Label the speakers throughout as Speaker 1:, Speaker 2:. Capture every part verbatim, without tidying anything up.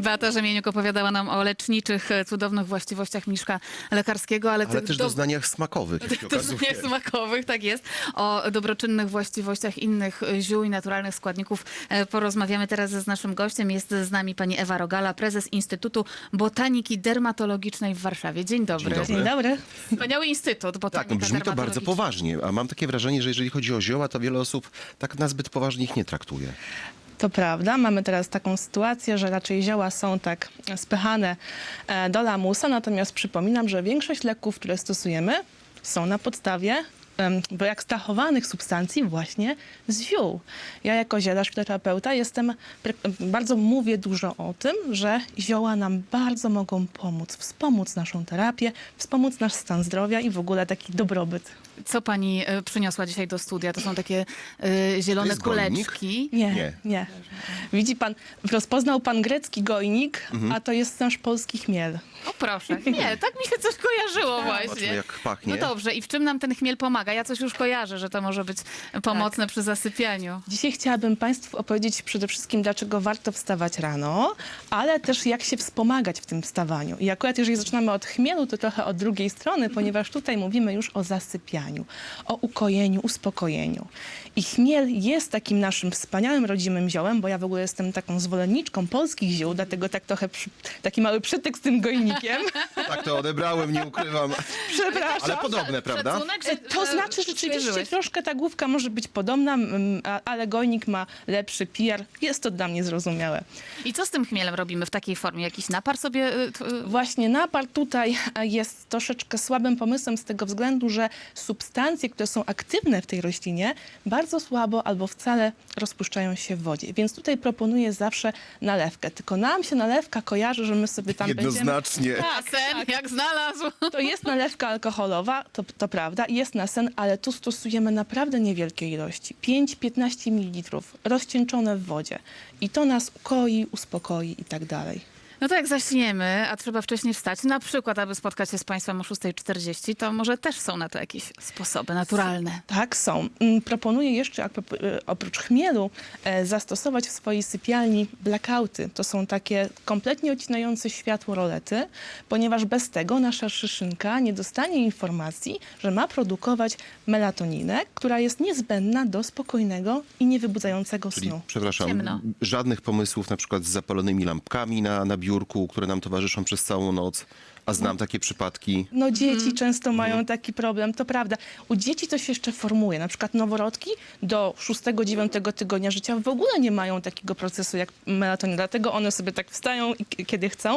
Speaker 1: Beata Rzemieniuk opowiadała nam o leczniczych, cudownych właściwościach mniszka lekarskiego, ale,
Speaker 2: Ale
Speaker 1: tych
Speaker 2: też
Speaker 1: do...
Speaker 2: doznaniach smakowych, jak się okazuje.
Speaker 1: doznaniach smakowych, tak jest. O dobroczynnych właściwościach innych ziół i naturalnych składników e, porozmawiamy teraz z naszym gościem. Jest z nami pani Ewa Rogala, prezes Instytutu Botaniki Dermatologicznej w Warszawie. Dzień dobry.
Speaker 2: Dzień dobry.
Speaker 3: Dzień dobry.
Speaker 1: Wspaniały Instytut
Speaker 2: Tak,
Speaker 1: Botanika
Speaker 2: no brzmi to bardzo
Speaker 1: Dermatologiczna.
Speaker 2: poważnie, a mam takie wrażenie, że jeżeli chodzi o zioła, to wiele osób tak nazbyt poważnie ich nie traktuje.
Speaker 3: To prawda, mamy teraz taką sytuację, że raczej zioła są tak spychane e, do lamusa, natomiast przypominam, że większość leków, które stosujemy, są na podstawie em, wyekstrahowanych substancji właśnie z ziół. Ja jako zielarz, fitoterapeuta jestem, pre- bardzo mówię dużo o tym, że zioła nam bardzo mogą pomóc, wspomóc naszą terapię, wspomóc nasz stan zdrowia i w ogóle taki dobrobyt.
Speaker 1: Co pani e, przyniosła dzisiaj do studia? To są takie e, zielone
Speaker 2: jest gojnik?
Speaker 1: kuleczki.
Speaker 3: Nie,
Speaker 2: Nie.
Speaker 3: nie, Widzi pan, rozpoznał pan grecki gojnik, a to jest nasz polski chmiel.
Speaker 1: O proszę. Nie, tak mi się coś kojarzyło właśnie.
Speaker 2: Zobaczmy, jak pachnie.
Speaker 1: No dobrze, i w czym nam ten chmiel pomaga? Ja coś już kojarzę, że to może być pomocne
Speaker 3: Tak.
Speaker 1: przy zasypianiu.
Speaker 3: Dzisiaj chciałabym Państwu opowiedzieć przede wszystkim, dlaczego warto wstawać rano, ale też jak się wspomagać w tym wstawaniu. I akurat jeżeli zaczynamy od chmielu, to trochę od drugiej strony, ponieważ tutaj mówimy już o zasypianiu, o ukojeniu, uspokojeniu. I chmiel jest takim naszym wspaniałym rodzimym ziołem, bo ja w ogóle jestem taką zwolenniczką polskich ziół, dlatego tak trochę przy, taki mały przytyk z tym gojnikiem.
Speaker 2: Tak to odebrałem, nie ukrywam.
Speaker 3: Przepraszam.
Speaker 2: Ale podobne, prawda?
Speaker 1: Szacunek, że-
Speaker 3: To
Speaker 1: że
Speaker 3: znaczy rzeczywiście
Speaker 1: przeżyłeś.
Speaker 3: troszkę ta główka może być podobna, mm, a- ale gojnik ma lepszy P R. Jest to dla mnie zrozumiałe.
Speaker 1: I co z tym chmielem robimy w takiej formie? Jakiś napar sobie... y, t- y,
Speaker 3: Właśnie napar tutaj e, jest troszeczkę słabym pomysłem z tego względu, że substancje, które są aktywne w tej roślinie, bardzo słabo albo wcale rozpuszczają się w wodzie. Więc tutaj proponuję zawsze nalewkę. Tylko nam się nalewka kojarzy, że my sobie tam będziemy...
Speaker 2: Jednoznacznie.
Speaker 1: A sen, jak znalazł.
Speaker 3: To jest nalewka alkoholowa, to, to prawda, jest na sen, ale tu stosujemy naprawdę niewielkie ilości. pięć do piętnastu mililitrów rozcieńczone w wodzie. I to nas ukoi, uspokoi i tak dalej.
Speaker 1: No to jak zaśniemy, a trzeba wcześniej wstać, na przykład, aby spotkać się z państwem o szósta czterdzieści, to może też są na to jakieś sposoby naturalne.
Speaker 3: Tak, są. Mm, Proponuję jeszcze, a propos- e, oprócz chmielu, e, zastosować w swojej sypialni blackouty. To są takie kompletnie odcinające światło rolety, ponieważ bez tego nasza szyszynka nie dostanie informacji, że ma produkować melatoninę, która jest niezbędna do spokojnego i niewybudzającego
Speaker 2: Czyli,
Speaker 3: snu.
Speaker 2: przepraszam,
Speaker 1: Ciemno.
Speaker 2: żadnych pomysłów na przykład z zapalonymi lampkami na, na biurku, które nam towarzyszą przez całą noc, a znam takie przypadki.
Speaker 3: No dzieci często mają taki problem, to prawda. U dzieci to się jeszcze formuje. Na przykład noworodki do szóstego dziewiątego tygodnia życia w ogóle nie mają takiego procesu jak melatonin. Dlatego one sobie tak wstają i k- kiedy chcą.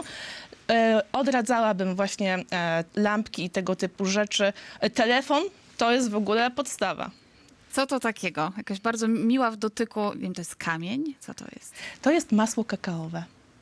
Speaker 3: E, odradzałabym właśnie e, lampki i tego typu rzeczy. E, telefon to jest w ogóle podstawa.
Speaker 1: Co to takiego? Jakaś bardzo miła w dotyku, nie wiem, to jest kamień? Co to jest?
Speaker 3: To jest masło kakaowe.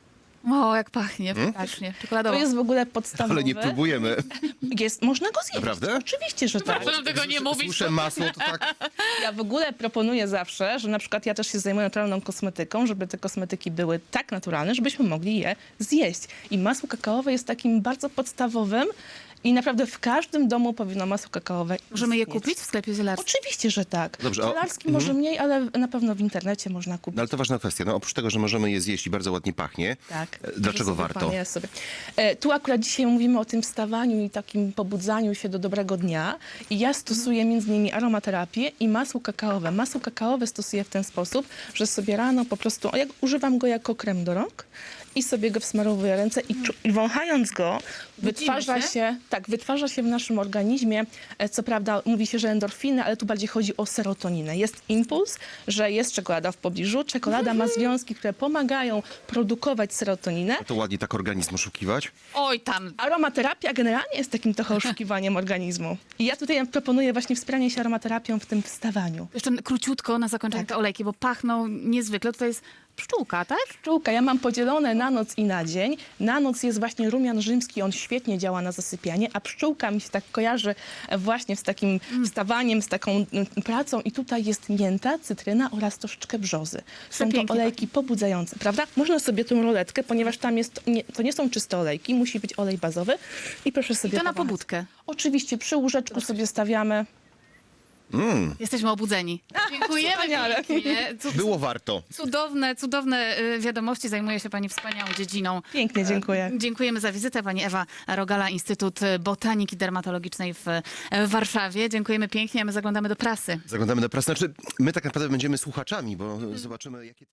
Speaker 1: O, jak pachnie, faktycznie,
Speaker 3: To
Speaker 1: czekoladowo.
Speaker 3: jest w ogóle podstawowe.
Speaker 2: Ale nie próbujemy.
Speaker 3: Jest, można go zjeść.
Speaker 2: Naprawdę?
Speaker 3: Oczywiście, że tak.
Speaker 1: Proszę tego nie mówić.
Speaker 2: Słyszę masło, to tak...
Speaker 3: Ja w ogóle proponuję zawsze, że na przykład ja też się zajmuję naturalną kosmetyką, żeby te kosmetyki były tak naturalne, żebyśmy mogli je zjeść. I masło kakaowe jest takim bardzo podstawowym i naprawdę w każdym domu powinno masło kakaowe
Speaker 1: Możemy je
Speaker 3: istnieć.
Speaker 1: kupić w sklepie zielarskim?
Speaker 3: Oczywiście, że tak.
Speaker 2: Dobrze, a-
Speaker 3: Zielarski może mniej, ale na pewno w internecie można kupić.
Speaker 2: No ale to ważna kwestia. No, oprócz tego, że możemy je zjeść i bardzo ładnie pachnie,
Speaker 3: Tak.
Speaker 2: e, dlaczego
Speaker 3: Że sobie
Speaker 2: warto?
Speaker 3: pan je sobie. E, tu akurat dzisiaj mówimy o tym wstawaniu i takim pobudzaniu się do dobrego dnia. I ja stosuję między innymi aromaterapię i masło kakaowe. Masło kakaowe stosuję w ten sposób, że sobie rano po prostu, jak, używam go jako krem do rąk i sobie go wsmarowuję ręce i, czu- i wąchając go wytwarza
Speaker 1: się?
Speaker 3: się? tak, wytwarza się w naszym organizmie, e, co prawda mówi się, że endorfiny, ale tu bardziej chodzi o serotoninę. Jest impuls, że jest czekolada w pobliżu. Czekolada ma związki, które pomagają produkować serotoninę.
Speaker 2: To ładnie tak organizm oszukiwać.
Speaker 1: Oj, tam.
Speaker 3: Aromaterapia generalnie jest takim trochę oszukiwaniem organizmu. I ja tutaj proponuję właśnie wspieranie się aromaterapią w tym wstawaniu.
Speaker 1: Jeszcze króciutko na zakończenie
Speaker 3: Tak.
Speaker 1: te olejki, bo pachną niezwykle. Tutaj jest pszczółka, tak?
Speaker 3: Pszczółka, ja mam podzielone na noc i na dzień. Na noc jest właśnie rumian rzymski, on świetnie działa na zasypianie, a pszczółka mi się tak kojarzy właśnie z takim wstawaniem, z taką mm, pracą i tutaj jest mięta, cytryna oraz troszeczkę brzozy. Są to
Speaker 1: Przepięknie
Speaker 3: olejki pobudzające, prawda? Można sobie tą roletkę, ponieważ tam jest, nie, to nie są czyste olejki, musi być olej bazowy i proszę sobie
Speaker 1: To na
Speaker 3: powąchać.
Speaker 1: pobudkę.
Speaker 3: Oczywiście przy łóżeczku sobie stawiamy.
Speaker 1: Jesteśmy obudzeni. Dziękujemy
Speaker 3: Wspaniale.
Speaker 1: pięknie. Cu-
Speaker 2: Było warto.
Speaker 1: Cudowne, cudowne y, wiadomości. Zajmuje się pani wspaniałą dziedziną.
Speaker 3: Pięknie, dziękuję.
Speaker 1: Dziękujemy za wizytę. Pani Ewa Rogala, Instytut Botaniki Dermatologicznej w w Warszawie. Dziękujemy pięknie, a my zaglądamy do prasy.
Speaker 2: Zaglądamy do prasy. Znaczy, my tak naprawdę będziemy słuchaczami, bo zobaczymy, jakie...